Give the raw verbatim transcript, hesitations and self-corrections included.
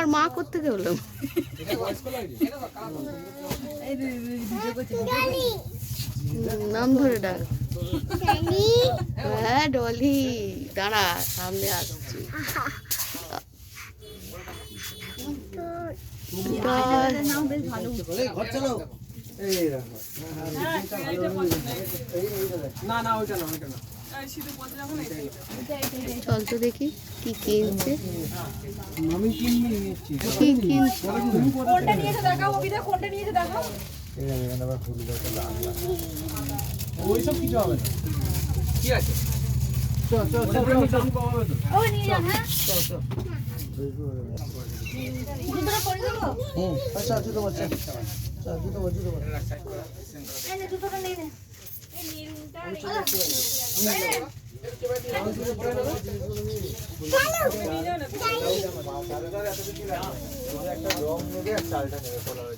তোমার মা করতে গেলাম। নাম ধরে ডাক। হ্যাঁ ডলি, দাঁড়া সামনে আসছি। চল তো দেখি কি কিনছে। কি কিনছে? ওইসব কিছু হবে না। কি আছে? চল চল চল চল কমাবে তো। ও নিয়ে যা। হ্যাঁ চল চল। জুতোটা পরে দেবো? হুম আচ্ছা জুতো বাচ্চা। চল জুতো বাচ্চা জুতো বাচ্চা। এই নে জুতোটা নিয়ে নে। এই নীলটা এই জুতো পরে নেবো। চলো নিয়ে যাও না। একটা রং নেবে আর চালটা নেবে বলা হয়েছে।